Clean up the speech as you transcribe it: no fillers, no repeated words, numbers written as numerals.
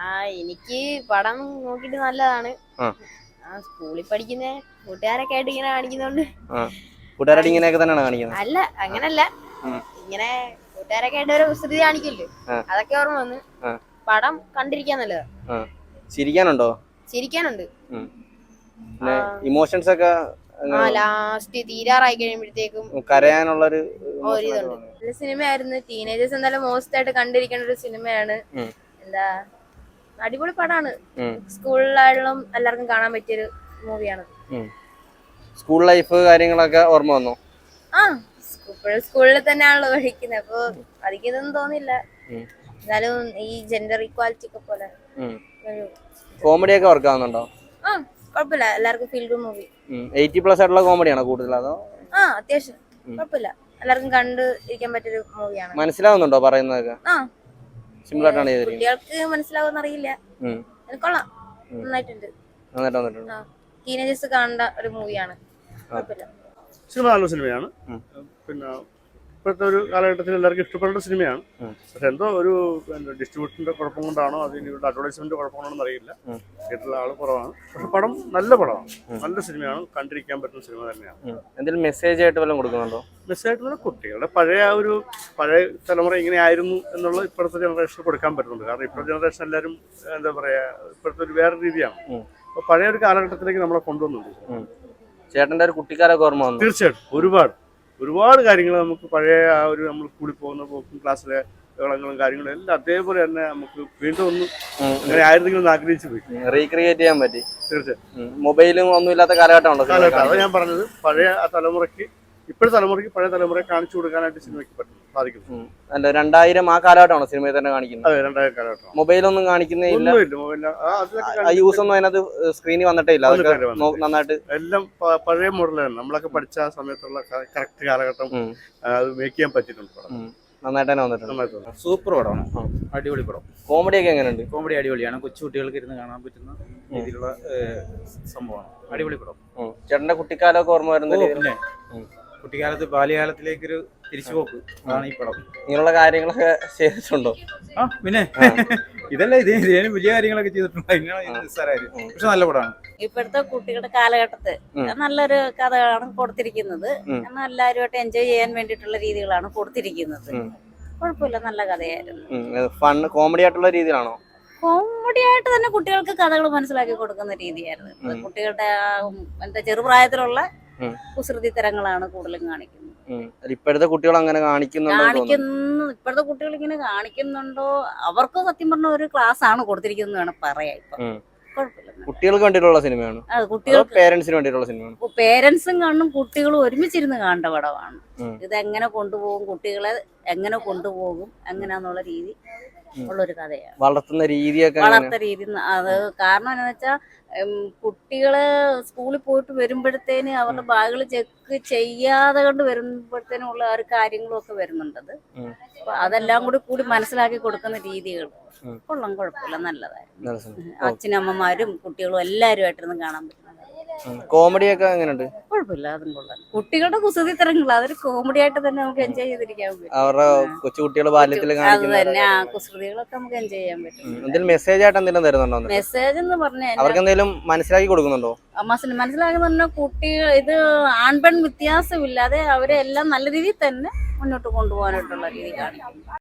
എനിക്ക് പടം നോക്കിട്ട് നല്ലതാണ്. ആ. സ്കൂളിൽ പഠിക്കുന്ന കൂട്ടുകാരൊക്കെ ആയിട്ട് ഇങ്ങനെ കാണിക്കുന്നോണ്ട്. കൂട്ടുകാരായിട്ട് ഇങ്ങനെയൊക്കെ തന്നെയാണ് കാണിക്കുന്നത്? അല്ല, അങ്ങനല്ല. ഇങ്ങനെ കൂട്ടുകാരൊക്കെ ആയിട്ട് ഒരു കുസൃതി കാണിക്കില്ലേ, അതൊക്കെ ഓർമ്മ വന്ന്. പടം കണ്ടിരിക്കാൻ നല്ലതാ. ചിരിക്കാനുണ്ടോ? ചിരിക്കാനുണ്ട്. ഇമോഷൻസ് ഒക്കെ ലാസ്റ്റ് തീരാറായി കഴിയുമ്പോഴത്തേക്കും കരയാനുള്ളൊരു നല്ല സിനിമയായിരുന്നു. ടീനേജേഴ്സ് എന്തായാലും മോസ്റ്റ് ആയിട്ട് കണ്ടിരിക്കേണ്ട ഒരു സിനിമയാണ്. എന്താ അടിപൊളി പടമാണ്. സ്കൂളിലായാലും എല്ലാവർക്കും കാണാൻ പറ്റിയൊരു മൂവിയാണ്. സ്കൂൾ ലൈഫ് കാര്യങ്ങളൊക്കെ ഓർമ്മ വന്നോ? സ്കൂളിൽ തന്നെയാണല്ലോ പഠിക്കുന്നത്, അപ്പൊ പഠിക്കുന്നൊന്നും തോന്നില്ല. എന്നാലും ഈ ജെൻഡർ ഇക്വാലിറ്റി ഒക്കെ പോലെ കോമഡി ഒക്കെ വർക്ക് ആവുന്നുണ്ടോ? കുഴപ്പമില്ല, എല്ലാവർക്കും ഫീൽ ഗുഡ് മൂവി. 80+ ആയിട്ടുള്ള കോമഡിയാണോ കൂടുതൽ അതോ? അത്യാവശ്യം കുഴപ്പമില്ല, എല്ലാവർക്കും കണ്ട് ഇരിക്കാൻ പറ്റിയൊരു മൂവിയാണ്. മനസ്സിലാവുന്നുണ്ടോ പറയുന്നതൊക്കെ? സിമ്പിൾ ആയിട്ടാണ് ചെയ്തിരിക്കുന്നത്. കുട്ടികൾക്ക് മനസ്സിലാവുമെന്ന് അറിയില്ല. കൊള്ളാം, നന്നായിട്ടുണ്ട്. ടീനേജേഴ്സ് കാണേണ്ട ഒരു മൂവിയാണ്. കുഴപ്പമില്ല. സിനിമ നല്ല സിനിമയാണ്. പിന്നെ ഇപ്പോഴത്തെ ഒരു കാലഘട്ടത്തിൽ എല്ലാവർക്കും ഇഷ്ടപ്പെടുന്ന സിനിമയാണ്. പക്ഷെ എന്തോ ഒരു ഡിസ്ട്രിബ്യൂഷന്റെ കുഴപ്പം കൊണ്ടാണോ അതിന് അഡ്വർടൈസ്മെന്റ് കുഴപ്പം കൊണ്ടാണെന്ന് അറിയില്ല, തിയേറ്ററിലെ ആൾ കുറവാണ്. പക്ഷെ പടം നല്ല പടമാണ്, നല്ല സിനിമയാണ്, കണ്ടിരിക്കാൻ പറ്റുന്ന സിനിമ തന്നെയാണ്. എന്തെങ്കിലും മെസ്സേജ് ആയിട്ട് വല്ലതും കൊടുക്കുന്നുണ്ടോ? മെസ്സേജ് ആയിട്ടുള്ള കുട്ടികളുടെ പഴയ തലമുറ ഇങ്ങനെയായിരുന്നു എന്നുള്ളത് ഇപ്പോഴത്തെ ജനറേഷന് കൊടുക്കാൻ പറ്റുന്നുണ്ട്. കാരണം ഇപ്പോഴത്തെ ജനറേഷൻ എല്ലാവരും എന്താ പറയാ, ഇപ്പോഴത്തെ ഒരു വേറെ രീതിയാണ്. അപ്പൊ പഴയ ഒരു കാലഘട്ടത്തിലേക്ക് നമ്മളെ കൊണ്ടുവന്നുണ്ട്. ചേട്ടന്റെ ഒരു കുട്ടിക്കാലൊക്കെ ഓർമ്മ വന്നു? തീർച്ചയായിട്ടും ഒരുപാട് കാര്യങ്ങൾ നമുക്ക് പഴയ ആ ഒരു നമ്മൾ കൂടി പോകുന്ന പോക്കും ക്ലാസ്സിലെ കളും കാര്യങ്ങളും എല്ലാം അതേപോലെ തന്നെ നമുക്ക് വീണ്ടും ഒന്നും അങ്ങനെ ആയിരുന്നെങ്കിലും ആഗ്രഹിച്ചു പോയി റീക്രിയേറ്റ് ചെയ്യാൻ പറ്റി. തീർച്ചയായിട്ടും മൊബൈലും ഒന്നും ഇല്ലാത്ത കാലഘട്ടമുണ്ടോ? അതാണ് ഞാൻ പറഞ്ഞത്, പഴയ തലമുറയ്ക്ക് ഇപ്പോഴത്തെ തലമുറയ്ക്ക് പഴയ തലമുറയെ കാണിച്ചു കൊടുക്കാനായിട്ട് സിനിമയ്ക്ക് സാധിക്കും. അല്ല, 2000 ആ കാലഘട്ടമാണോ സിനിമയിൽ തന്നെ കാണിക്കുന്നത്? അതെ, 2000 കാലഘട്ടം. മൊബൈലൊന്നും കാണിക്കുന്നേ ഇല്ല, യൂസ് ഒന്നും അതിനകത്ത് സ്ക്രീനിൽ വന്നിട്ടേ ഇല്ല. നന്നായിട്ട് എല്ലാം പഴയ മോഡലാണ്. നമ്മളൊക്കെ പഠിച്ച ആ സമയത്തുള്ള കറക്റ്റ് കാലഘട്ടം അത് മേക്ക് ചെയ്യാൻ പറ്റിയിട്ടുണ്ട്. നന്നായിട്ട് തന്നെ വന്നിട്ടുണ്ട്. സൂപ്പർ പടമാണ്, അടിപൊളി പടം. കോമഡി ഒക്കെ എങ്ങനെയുണ്ട്? കോമഡി അടിപൊളിയാണ്, കൊച്ചു കുട്ടികൾക്ക് ഇരുന്ന് കാണാൻ പറ്റുന്ന രീതിയിലുള്ള സംഭവമാണ്. അടിപൊളി പടം. ചേട്ടന്റെ കുട്ടിക്കാലമൊക്കെ ഓർമ്മ വരുന്ന പിന്നെ കുട്ടിക്കാലത്ത് ബാല്യകാലത്തിലേക്കൊരു തിരിച്ചുപോക്ക് ആണ് ഈ പടം. ഇങ്ങനെയുള്ള കാര്യങ്ങളൊക്കെ ചെയ്തിട്ടുണ്ടോ? പിന്നെ ഇതല്ല ഇതിന് വലിയ കാര്യങ്ങളൊക്കെ ചെയ്തിട്ടുണ്ട്. പക്ഷെ നല്ല പടമാണ്. ഇപ്പോഴത്തെ കുട്ടികളുടെ കാലഘട്ടത്ത് നല്ലൊരു കഥകളാണ് കൊടുത്തിരിക്കുന്നത്. എല്ലാവരുമായിട്ട് എൻജോയ് ചെയ്യാൻ വേണ്ടിയിട്ടുള്ള രീതികളാണ് കൊടുത്തിരിക്കുന്നത്. കുഴപ്പമില്ല, നല്ല കഥയായിരുന്നു. കോമഡി ആയിട്ടുള്ള രീതിയിലാണോ? കോമഡി ആയിട്ട് തന്നെ കുട്ടികൾക്ക് കഥകൾ മനസ്സിലാക്കി കൊടുക്കുന്ന രീതിയായിരുന്നു. കുട്ടികളുടെ എന്താ ചെറുപ്രായത്തിലുള്ള കുസൃതി തരങ്ങളാണ് കൂടുതലും കാണിക്കുന്നത്. ഇപ്പോഴത്തെ കുട്ടികൾ അങ്ങനെ ഇപ്പോഴത്തെ കുട്ടികൾ ഇങ്ങനെ കാണിക്കുന്നുണ്ടോ? അവർക്ക് സത്യം പറഞ്ഞ ഒരു ക്ലാസ് ആണ് കൊടുത്തിരിക്കുന്നത് വേണം പറയാം. ഇപ്പൊ കുട്ടികൾക്ക് വേണ്ടിയിട്ടുള്ള സിനിമയാണ്, പേരൻസിന് വേണ്ടിയിട്ടുള്ള സിനിമയാണ്. പേരൻസും കാണും കുട്ടികളും ഒരുമിച്ചിരുന്ന് കാണേണ്ട പടമാണ്. ഇതെങ്ങനെ കൊണ്ടുപോകും, കുട്ടികളെ എങ്ങനെ കൊണ്ടുപോകും, എങ്ങനെയാന്നുള്ള രീതി ഉള്ളൊരു കഥയാണ്. വളർത്തുന്ന രീതിയൊക്കെ രീതി അത് കാരണം എന്താണെന്ന് വെച്ചാൽ കുട്ടികള് സ്കൂളിൽ പോയിട്ട് വരുമ്പോഴത്തേന് അവരുടെ ബാഗുകൾ ചെക്ക് ചെയ്യാതെ കൊണ്ട് വരുമ്പോഴത്തേനും ഉള്ള ഒരു കാര്യങ്ങളും ഒക്കെ വരുന്നുണ്ടത്. അപ്പൊ അതെല്ലാം കൂടി മനസ്സിലാക്കി കൊടുക്കുന്ന രീതികൾ കൊള്ളാം, കുഴപ്പമില്ല, നല്ലതായിരുന്നു. അച്ഛനമ്മമാരും കുട്ടികളും എല്ലാവരുമായിട്ടിരുന്ന് കാണാൻ പറ്റുന്നത്. കോമഡി ഒക്കെ എങ്ങനെയുണ്ട്? കുഴപ്പമില്ല, അതും കൊള്ളാം. കുട്ടികളുടെ കുസൃതി തരങ്ങൾ അതൊരു കോമഡി ആയിട്ട് തന്നെ നമുക്ക് എൻജോയ് ചെയ്തിരിക്കാൻ പറ്റും. അവരുടെ കൊച്ചുകുട്ടികൾ ബാല്യത്തിൽ തന്നെ കുസൃതികളൊക്കെ നമുക്ക് എൻജോയ് ചെയ്യാൻ പറ്റും. എന്തെങ്കിലും മെസ്സേജ് ആയിട്ട് എന്തെങ്കിലും തരുന്നുണ്ടോ? മെസ്സേജ് എന്ന് പറഞ്ഞാൽ അവർക്ക് എന്തെങ്കിലും മനസ്സിലാക്കി കൊടുക്കുന്നുണ്ടോ? മനസ്സിലാക്കി പറഞ്ഞാൽ കുട്ടികൾ ഇത് ആൺപെൺ വ്യത്യാസമില്ലാതെ അവരെ എല്ലാം നല്ല രീതിയിൽ തന്നെ മുന്നോട്ട് കൊണ്ടുപോകാനായിട്ടുള്ള രീതി കാണിക്കും.